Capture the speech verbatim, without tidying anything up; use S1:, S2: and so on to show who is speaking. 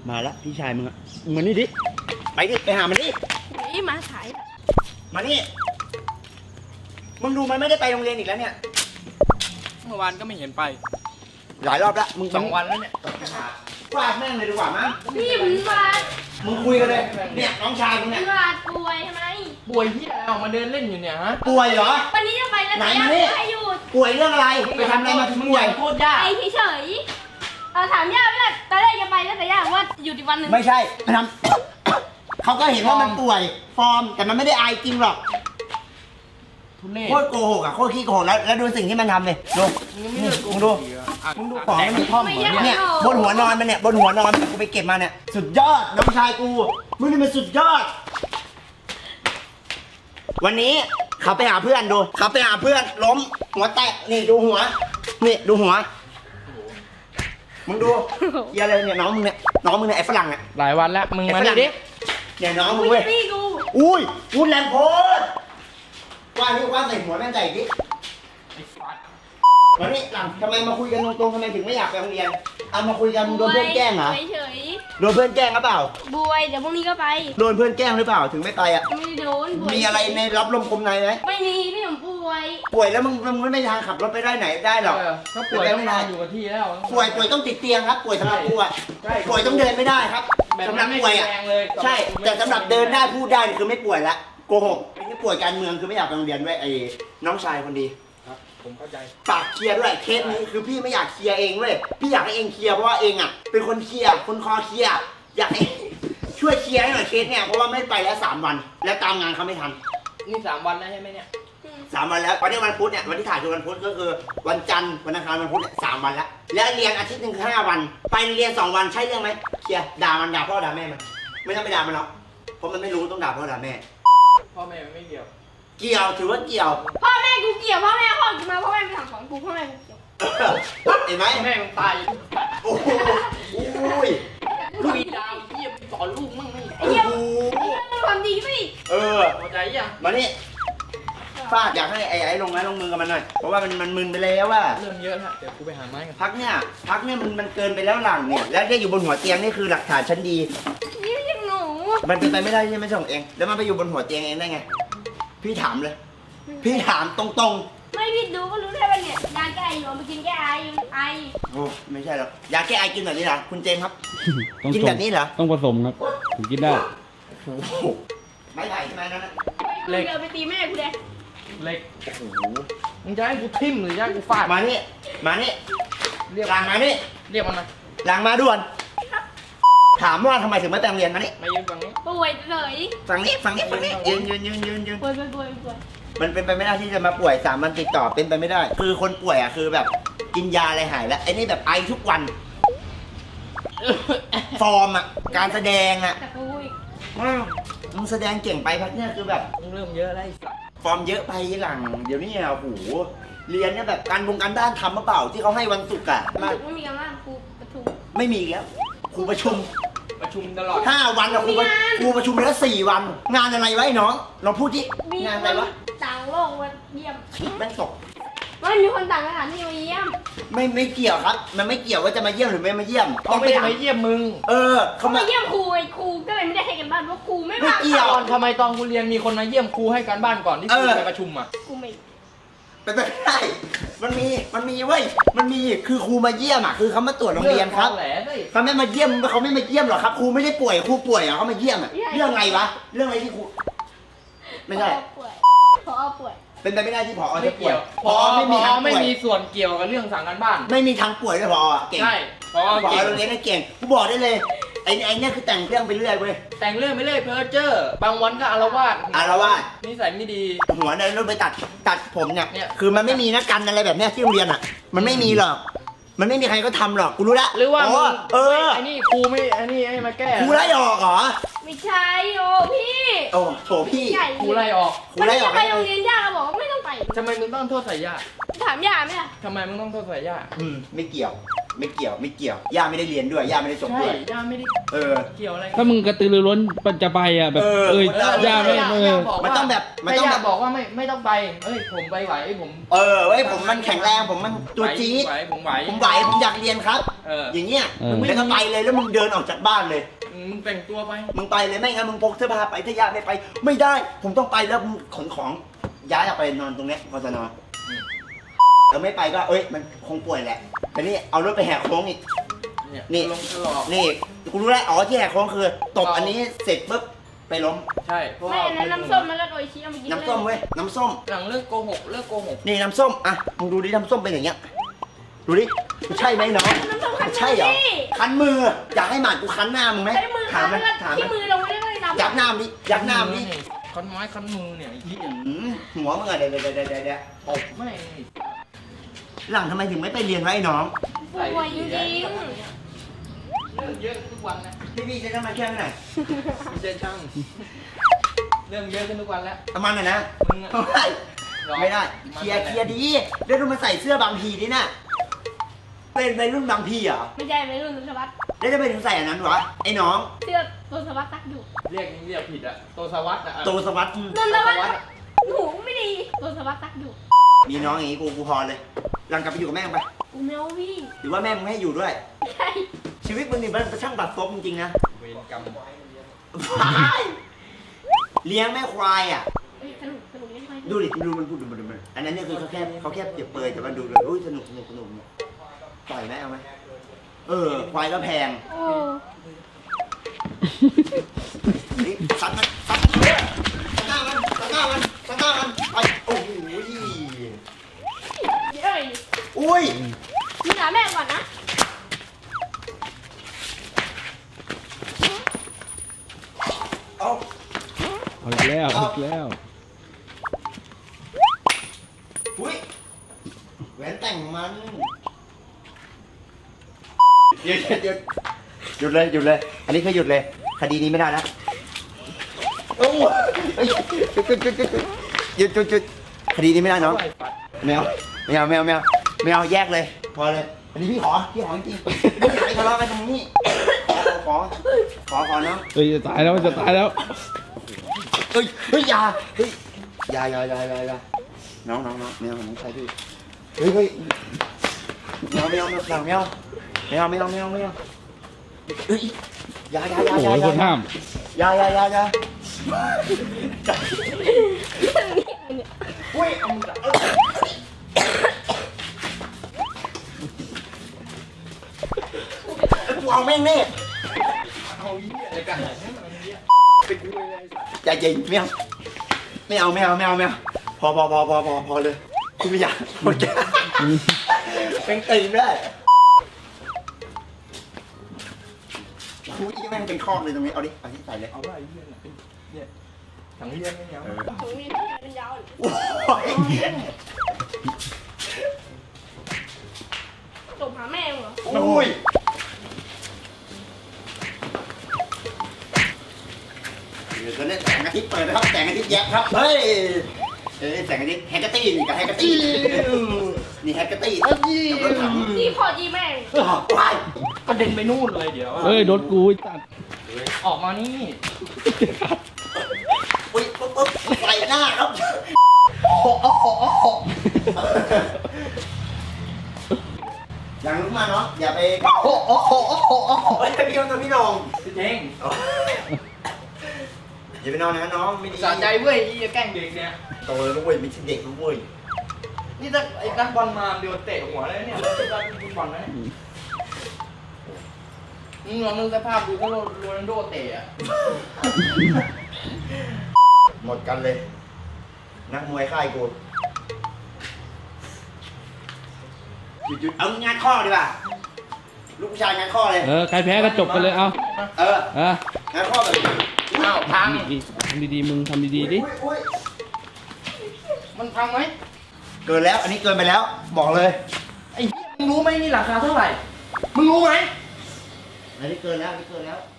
S1: มาละพี่ชายมึงอะมานี่ดิไปดิไปหามันดิ
S2: นี่มาสาย
S1: มานี่มึงดูมันไม่ได้ไปโรงเรียนอีกแล้วเนี่ย
S3: เมื่อวานก็ไม่เห็นไป
S1: หลายรอบแล้วมึง
S3: สองวันแล้วเนี่ย
S1: ฟาดแม่งเลยดีกว่ามั้ง
S2: พี่ผมวาด
S1: มึงคุยกันเลยเนี่ยน้องชายมึงเนี่ยว
S2: าดป่วยทำไม
S3: ป่วยที่อะไรออกมาเดินเล่นอยู่เนี่ยฮะ
S1: ป่วยเหรอ
S2: วันนี้จะไปแล้ว
S1: ไหน
S2: แต่
S1: มา
S2: ยัง
S1: นี่
S2: ไม่หยุด
S1: ป่วยเรื่องอะไรไปทำอะไรมาถึงป่วย
S3: โคตรยาก
S2: ไปเฉยๆเราถามย่าไม่ได้ตอนแรกจะไปแล้วแต่ย่าบอกว่าหยุดอีกวันหนึ่ง
S1: ไม่ใช่ไปทำ เขาก็เห็นว่ามันป่วยฟอร์มแต่มันไม่ได้อายจริงหรอก
S3: ทุเรศ
S1: โคตรโกหกอ่ะโคตรขี้โกหกแล้วแล้วดูสิ่งที่มันทำเลยดู
S3: ยังไม่เลิกโก
S1: มึง
S3: ห
S1: ดู
S3: กอีกเหรออ่ะ
S1: มึงดูของมัน
S3: ท่อมเหมือนเนี่ย
S1: เนี่ยบนหัวนอนมันเนี่ยบนหัวนอนมันกูไปเก็บมาเนี่ยสุดยอดน้องชายกูมึงนี่มันสุดยอด วันนี้เขาไปหาเพื่อนดูเขาไปหาเพื่อนล้มหัวแตกนี่ดูหัวนี่ดูหัวมึงดูเฮียอะไรเนี่ยน้องมึงเนี่ยน้องมึงเนี่ยไอ้ฝรั่งเนี่ย
S3: หลายวันแล้วมึงมาดิดิ
S1: เนี่ยน้องมึ
S2: อุ้
S1: ง
S2: ย
S1: เว้ย
S2: พี่กู
S1: อุ้ยพูดแรงโพดว่านี่ว่าใส่หัวแม่งใส่ดิวันนี้หลังทำไมมาคุยกันตรงๆทำไมถึงไม่อยากไปโรงเรียนเอามาคุยกันมึงโดนเพื่อนแกล้งเหรอ
S2: เฉย
S1: โดนเพื่อนแกล้งหรือเปล่า
S2: ๆบวยเดี๋ยวพรุ่งนี้ก็ไป
S1: โดนเพื่อนแกล้งหรือเปล่าถึงไม่ไปอ่ะ
S2: ไม่ได้โดนบวย
S1: มีอะไรในรับลมคมในไหม
S2: ไม่มีพี่ผมป่วย
S1: ป่วยแล้วมึงมึงไม่มีทางขับรถไปได้ไหนได้หรอก
S3: เออถ้าป่วยต้องนอนอยู่กับที่แล้ว
S1: ป่วยป่วยต้องติดเตียงครับป่วยสำหรับกูอ่ะ
S3: ใช่
S1: ป่วยต้องเดินไม่ได้ครับ
S3: แบบ
S1: สำห
S3: นั้
S1: รั
S3: น
S1: บ
S3: ไม่
S1: ป่วยอ่ะ
S3: แรงเลย
S1: ใช่แต่สำหรับเดินได้พูดได้นี่คือไม่ป่วยละโกหกไอ้ที่ป่วยการเมืองคือไม่อยากไปโรงเรียนด้วยไอ้น้องชายคนดี
S3: ครับผมเข้าใจ
S1: ฝากเคลียร์ด้วยเคสนี้คือพี่ไม่อยากเคลียร์เองเว้ยพี่อยากให้เองเคลียร์เพราะว่าเองอ่ะเป็นคนเคลียร์คนคอเคลียร์อยากให้ ช่วยเคลียร์ให้หน่อยเคสเนี่ยเพราะว่าไม่ไปแล้วสามวัน แล้วตามงานเขาไม่ทัน
S3: นี่สามวันแล้วใช่ไหมเนี่ย
S1: สามวันแล้ววันนี้วันพุธเนี่ยวันที่ถ่ายคือวันพุธก็คือวันจันทร์วันอังคารวันพุธเนี่ยสามวันแล้วแล้วเรียนอาทิตย์หนึ่งคือห้าวัน ไปเรียนสองวันใช่เรื่องไหมเคลียร์ด่ามันด่าพ่อด่าแม่มันไม่ต้องไปด่ามันหรอกเพราะมันไม่รู้ต้องด่าพ่อด่าแม่
S3: พ่อแม่ไม่เกี่ยว
S1: เกี่ยวถือว่าเกี่ยว
S2: พ่อแม่กูเกี่ยวพ่อแม่พ่อกูมาพ่อแม่ไปสั่งสอนกูพ่อแม่กูเกี่ยว
S1: เห็นไหม
S3: พ่อแม่มึงตาย
S1: โอ้โหอุ้ย
S3: ลูกอีดาวเยี่ยมสอนลูกมั่งไม่
S2: ไอ้เหี้ย
S1: โอ้โห
S2: ไอ้เหี้ยมึงความดีไม่
S1: เออ
S3: เข้าใจยัง
S1: มานี่ฟาดอยากให้ไอ้ไอ้ลงไม้ลงมือกับมันหน่อยเพราะว่ามันมันมึนไปแล้วว่า
S3: เริ่มเยอะแล้วเดี๋ยวกูไปหาไม้กัน
S1: พักเนี่ยพักเนี่ยมันมันเกินไปแล้วหลังเนี่ยแล้วได้อยู่บนหัวเตียงนี่คือหลักฐานชั้นดี
S2: นี่ไม่ใช่หนู
S1: มันเป็นไปไม่ได้ใช่ไหมส่งเอง แล้วมันไปอยู่บนหัวเตียงเองได้ไง พี่ถามเลย พี่ถามตรง
S2: ไม่พี่ดูก็รู้ได้ว่าเนี่ยยาแก้ไออยู่เอามากินแก้ไอไอ
S1: ๆ โอ้ไม่ใช่หรอกยาแก้ไอกินแบบนี้เหรอคุณเจมส์ครับ
S4: ต้อง
S1: กินแบบนี้เหรอ
S4: ต้องผสมครับถึงกินได้
S1: โอ้โหไม่ไผ่ใช่ไหมนั่นน่ะ
S2: เดินไปตีแม่กูเลย
S3: เล็ก
S1: โอ้โห
S3: มึงจะให้กูทิ่มหรือจะให้กูฟาด
S1: มานี่มานี่
S3: เรียก
S1: หลังมานี่
S3: เรียกมันมา
S1: หลังมาด่วน ถามว่าทำไมถึงไม่แต่งเรียนมานี่
S3: มายืนฝั่งนี้
S2: ป่วยเลย
S1: ฝั่งนี้ฝั่งนี้ฝั่งนี้ยืนยืนยืนยืนยืน
S2: ป่วยป่วยป่วยป่วย
S1: มันเป็นไปไม่ได้ที่จะมาป่วยสามวันติดต่อเป็นไปไม่ได้ คือคนป่วยอ่ะคือแบบกินยาอะไรหายแล้วไอ้นี่แบบไอทุกวัน ฟอร์มอ่ะการแสดงอ่ะ
S2: แต่กูอีก
S1: อ้าวมึงแสดงเก่งไปพักเนี่ยคือแบบ
S3: มึงเริ่มเยอะแล้วไอ้สัส
S1: ฟอร์มเยอะไปหลัง เดี๋ยวนี้อ่ะโอ้โหเรียนเนี่ยแบบการวงการบ้านทำมาเปล่าที่เขาให้วันศุกร์อ่ะมา
S2: ไม่มีการบ้านครูประชุม
S1: ไม่มีอีกแล้วครูประชุม
S3: ประชุมตลอด
S1: ห้าวันอะครูประครูประชุมแล้วสี่วัน งานอะไรวะไอ้น้องลองพูดที่
S2: มี
S1: งาน
S2: ค
S1: อะไร
S2: น
S1: วะ
S2: ต่างโลกมาเยี่ยม
S1: แม่งตก
S2: ไม่มีคนต่างสถานที่มาเยี่ยม
S1: ไม่ไม่เกี่ยวครับ มันไม่เกี่ยวว่าจะมาเยี่ยมหรือไม่มาเยี่ยม
S3: เขาไม่ได้
S1: ถาม
S3: มาเยี่ยมมึง
S1: เออ
S2: เขา
S1: เขา
S2: มา
S1: มา
S2: เยี่ยมครูไอ้ครูก็เลยไม่ได้ให้กันบ้านเพราะครูไม่
S1: ไม่
S2: ว่าง
S1: เกี่ยว
S3: ตอนทำไมตอนกูเรียนมีคนมาเยี่ยมครูให้การบ้านก่อนที่
S1: เอ
S3: ครู
S1: อ
S3: ไปประชุมอ่ะ
S2: กูไม่
S1: เป็นไปไม่ได้ มันมี มันมีเว้ย มันมี คือครูมาเยี่ยมอ่ะ คือเขามาตรวจโรงเรียนครับ
S3: แหละสิ
S1: เขาไม่มาเยี่ยมเขาไม่มาเยี่ยมหรอกครับ ครูไม่ได้ป่วย ครูป่วยอ่ะเขามาเยี่ยมอ่ะ เรื่องอะไรวะ เรื่องอะไรที่ครู ไม่ใช่
S2: ป่วยพอป่วย
S1: เป็นไปไม่ได้ที่ผอ
S3: ไม่
S1: จะป่ว
S3: เกี่
S1: ย
S3: ยว
S1: ผอไม่มีทาง
S3: ไม่
S1: ป่วย
S3: มีส่วนเกี่ยวกับเรื่องสั่งการบ้าน
S1: ไม่มีทางป่วยด้วยผออ่ะเก่ง
S3: ใช่เพราะว่า
S1: ผอ
S3: เก่ง
S1: โรงเรียนน่ะเก่ง กูบอกได้เลย ไอ้ไอ้เนี่ยคือแต่งเรื่องไปเรื่อยเว้ย
S3: แต่งเรื่องไม่เรื่อยเพ้อเจ้อบางวันก็อารวาส
S1: อารวาส
S3: นิสัยไม่ดี
S1: หัวเนี่ยรถไปตัดตัดผมเนี่ย
S3: เนี่ย
S1: คือมันไม่มีนะกันอะไรแบบเนี้ยที่โรงเรียนอ่ะ มันไม่มีหรอก มันไม่มีใครก็ทำหรอก กูรู้ละ
S3: หรือว่า
S1: อ๋
S3: มึ
S1: อง เออ
S3: ไอ้นี่ครูไม่ไอ้นี่ให้มาแก้
S1: ครูไล่ออกเหรอ
S2: ไม่ใช่โอ้พี่
S1: โอ้โถพี่
S2: ใหญ่
S3: ครูไล่ออก
S1: ครู
S2: วัน
S1: ไล่
S2: นี้
S1: ออก
S2: จะไปโรงเรียนย่าเราบอกว่าไม่ต้องไป
S3: ทำไมมึงต้องโทษสายยา
S2: ถามย่าไหมล่ะ
S3: ทำไมมึงต้องโทษสายยา
S1: อืมไม่เกี่ยวไม่เกี่ยวไม่เกี่ยวย่าไม่ได้เรียนด้วยย่าไม่ได้จบ
S3: ใช่
S1: ด้วย
S3: ย่าไม่ได้
S1: เออ
S3: เกี่ยวอะไร
S4: ถ้ามึงกระตือรือร้นจะไปอ่ะแบบ
S1: เออ
S4: เอ้ย
S1: เออ
S4: ย่าไม่เออ
S1: มันต้องแบบมันต้อง
S3: แม่
S1: แบ
S3: ย่า
S1: บ
S3: บอกว่าไม่ไม่ต้องไปเอ้ยผมไปไหวผม
S1: เออเว้ยผมมันแข็งแรงผมมันตัวจี๊ด
S3: ไหวผมไหว
S1: ผมไหวผมอยากเรียนครับ
S3: เออ
S1: อย่างเงี้ย
S4: เออ
S1: มึงไม่ต้องไปเลยแล้วมึงเดินออกจากบ้านเลย
S3: มึงแต่งตัวไป
S1: มึงไปเลยไม่งั้นมึงพกเสื้อผ้าไปถ้าย่าไม่ไป ไม่ได้ ผมต้องไปแล้วมึงขนของย้ายออกไปนอนตรงเนี้ยพอจะนอน
S3: อืม
S1: แล้วไม่ไปก็เอ้ยมันคงป่วยแหละแต่นี่เอารถไปแหกโค้งอีก
S3: เนี่ย
S1: นี่
S3: ลงตลอด
S1: นี่กูรู้แล้วอ๋อที่แหกโค้งคือตบอันนี้เสร็จปุ๊บไปล้ม
S3: ใช่เพราะ
S2: ไม่
S3: ว่า
S2: อันนั้นน้ำส้มแล้วก็โดยชี้เอามากิน
S1: น้ำส้มเว้ยน้ำส้ม
S3: หลังเลิกโกหกเลิกโกหก
S1: นี่น้ำส้มอ่ะมึงดูดิน้ำส้มเป็นอย่างเงี้ยดูดิใช่ไหมน้อง
S2: น้ำส้มคัน
S1: ใช่เหรอ
S2: นี่
S1: คันมืออยากให้หมาดกูคันหน้ามึงไหม
S2: ใช้มือ
S1: ถามมัน
S2: คัน
S1: ถาม
S2: ที่
S1: มัน
S2: มือเราไม่ได้เลยน้ำ
S1: ยักหน้ามันดิยักหน้ามันดิ
S3: คันไม้คันมือเนี่ยไอ้เหี้ย
S1: อืมหัวมึงอะเดี๋ยวเดี๋ยวเดี๋ยวเดี๋ยวเดี๋ยว
S3: ตบแม่ง
S1: หลังทำไมถึงไม่ไปเรียนวะไอ้น้อง
S2: ป่วยจริง
S3: เรื่องเยอะทุกวันนะ
S1: พี่พี่จะทำมาแค่ไหน
S3: ไม่ใช่ช่างเรื่องเยอะขึ้นทุกวันแล้ว
S1: ประมาณน่ะนะ
S3: มึงอะ
S1: ไม่ได้เคลียร์เคลียร์ดีเดี๋ยวดูมันใส่เสื้อบางพีนี่น่ะเป็นวัยรุ่นบางพีเหรอ
S2: ไม่ใช่ไม่รุ่นสุวัสดิ์
S1: แล้วจะไปถึงใส่อันนั้นวะไอ้น้อง
S2: เสื้อตัวสวัสดิ์ซักอยู่
S3: เรียกเรียกผิดอะโตสวัสดิ์อะ
S1: โตสวัสดิ์
S2: นนทวัฒน์หนูไม่ดีตัวสวัสดิ์ซักอยู่
S1: มีน้องอย่างงี้กูกูพอเลยหลังกลับไปอยู่กับแม่งไป
S2: กูไม่เอาพี่
S1: หรือว่าแม่มึงไม่ให้อยู่ด้วย
S2: ใช่
S1: ชีวิตมึงนี่มันช่างบัดซบจริงๆนะ
S3: เวรกรรม
S1: เลี้ยงแม่ควายอ่ะ
S2: เอ้ยสนุกสนุกยังไง
S1: ดูดิดูมันพูดดูมันดูมันอันนั้นเนี่ยคือเขาแค่เขาแค่เปรียบเปรยแต่มันดูเลยอุ้ยสนุกสนุกสนุกเนี่ยปล่อยไหมเอาไหมเออควายก็แพง
S2: โอ้
S1: นี่ซัดมันซัดมันเลยซัดหน้ามันซัดหน้ามันซัดหน้ามันไปโอ้โห
S2: เอ้ย
S1: อุ้ย
S2: มึงหาแม่ก่อนนะ
S1: เอา
S4: เอาอีกแล้วเอาอีกแล้ว
S1: อุ้ยแหวนแต่งมันหยุดหยุดหยุดเลยหยุดเลย อันนี้คือหยุดเลยคดีนี้ไม่ได้นะโอ้ยหยุดหยุดหยุดหยุดหยุดหยุดหยุดคดีนี้ไม่ได้น้อง แมวแมวแมวแมวแมวแยกเลย พอเลย อันนี้พี่ขอพี่ขอจริงๆไม่อยากให้ทะเลาะกันตรงนี้ขอขอขอน้อง
S4: เอ้ยจะตายแล้วจะตายแล้ว
S1: เฮ้ยเฮ้ยอยาเฮ้ยอยาอยาอยาอยาอยาน้องน้องน้องแมวน้องใครพี่เฮ้ยเฮ้ยแมวแมวแมวแมวแมวแมวแมวแมวแมวเฮ้ยอยาอยาอยา
S4: โอ้
S1: อยา
S4: โหคนห้าม
S1: อยาอยาอยาอยาอุ้ยเอามือเออกูเอาแม่งแน่
S3: เอาเหี้ยอะไรกันเนี่ยมันเหี้ยเป็นกูเลย
S1: ใจเย็นไม่เอาไม่เอาไม่เอาไม่เอาไม่เอาพอพอพอพอพอพอเลยคุณไม่อยากหมดแก้วเป็นตีนได้กูอีแม่งเป็นคอกเลยตรงนี้เอาดิเอาที่ใส่เลย
S3: เอาว่าไอ้เหี้ยน่ะเป็นเนี่ยถังเลี้ยงไม่เอา
S2: ผมมีที่เป็นยาว
S1: โอ้ย
S2: จบหาแม่เหรอ
S1: โอ้ยเดี๋ยวจะเล่นแสงอาทิตย์เปิดนะครับแสงอาทิตย์แยบครับเฮ้ยเอ้ยแสงอาทิตย์แฮกเกอร์ตี้นี่กับแฮกเกอร์ตี้นี่แฮกเกอร์ตี้กับรถถัง
S2: นี่พอจีแม่ง
S1: วาย
S3: กระเด็นไปนู่นเลยเดี๋ยว
S4: เอ้ยรถกูจัด
S3: ออกมานี่
S1: อุ้ยปุ๊บปุ๊บใส่หน้าครับโอ้โหโอ้โหโอ้โหอย่างรู้มาเนาะอย่าไปโอ้โหโอ้โหโอ้โหโอ้โหเฮ้ยพี่น้องพี่น้อง
S3: พี่เท่ง
S1: อย่าไปนอนนะน้องไม่ดี
S3: สะใจเว้ยยี่จะแกล้งเด็กเนี่ย
S1: โตแล้วนะเว้ยไม่ใช่เด็กนะเว้ย
S3: นี่ถ้าไอ้นักบอลมาเดี๋ยวเตะหัวเลยเนี่ยไอ้นักบอลนะเนี่ยมึงลองนึกสภาพดูถ้าโรนัลโดเตะอะ
S1: หมดกันเลย นักมวยค่ายกูหยุดหยุดเอางานข้อดีกว่าลูกผู้ชายงานข้อเลย
S4: เออใครแพ้ก็จบไปเลยเอา
S1: เออ
S4: เออง
S1: านข้อแบบ
S3: อ้าวพัง
S4: ทำดีๆมึงทำดีๆดิ
S1: อุ๊ยอุ๊ย
S3: มันพังไหม
S1: เกินแล้วอันนี้เกินไปแล้วบอกเลย
S3: ไอ้เหี้ยมึงรู้ไหมนี่ราคาเท่าไหร่ มึงรู้ไหม
S1: อันนี้เกินแล้วอันนี้เกินแล้ว